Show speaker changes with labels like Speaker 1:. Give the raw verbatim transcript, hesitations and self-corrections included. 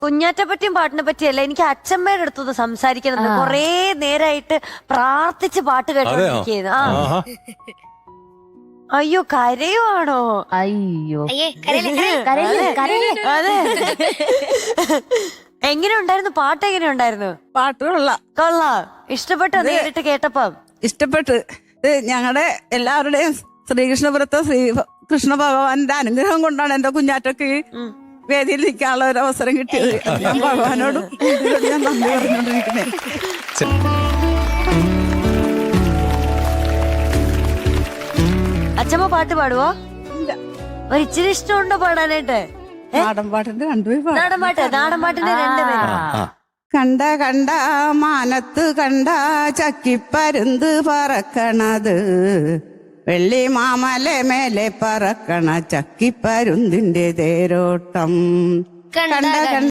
Speaker 1: കുഞ്ഞാറ്റെ പറ്റിയും പാട്ടിനെ പറ്റിയല്ല, എനിക്ക് അച്ഛമ്മയുടെ അടുത്തൊന്ന് സംസാരിക്കണം. കൊറേ നേരായിട്ട് പ്രാർത്ഥിച്ച് പാട്ട് കേട്ടോണ്ടിരിക്കുന്നു. ആ അയ്യോ കരയുവാണോ?
Speaker 2: അയ്യോ
Speaker 1: അതെ. എങ്ങനെ ഉണ്ടായിരുന്നു പാട്ട്? എങ്ങനെ ഉണ്ടായിരുന്നു
Speaker 3: പാട്ട്? കൊള്ളാം
Speaker 1: കൊള്ളാം. ഇഷ്ടപ്പെട്ടോ നേരിട്ട് കേട്ടപ്പം?
Speaker 3: ഇഷ്ടപ്പെട്ട്. ഇത് ഞങ്ങളുടെ എല്ലാവരുടെയും ശ്രീകൃഷ്ണപുരത്തെ ശ്രീ കൃഷ്ണ ഭഗവാന്റെ അനുഗ്രഹം കൊണ്ടാണ് എന്റെ കുഞ്ഞാറ്റക്ക് വേദിയിൽ നിൽക്കാനുള്ള ഒരു അവസരം കിട്ടിയത്. ഞാൻ ഭഗവാനോടും ഞാൻ നന്ദി പറഞ്ഞുകൊണ്ടിരിക്കുന്നേ.
Speaker 1: അച്ഛമ്മ പാട്ട് പാടുവോ? ഒരു ഇച്ചിരി ഇഷ്ടമുണ്ടോ പാടാനായിട്ട്?
Speaker 3: നാടൻ പാട്ടിന്റെ രണ്ടുപേരും
Speaker 1: നാടൻ പാട്ട്. നാടൻ പാട്ടിന്റെ രണ്ടുപേരും.
Speaker 3: കണ്ട കണ്ട മാനത്ത് കണ്ട ചക്കിപ്പരുന്ത് പറക്കണത്, വെള്ളി മാമല മേലെ പറക്കണ ചക്കിപ്പരുന്തിന്റെ തേരോട്ടം. കണ്ട കണ്ട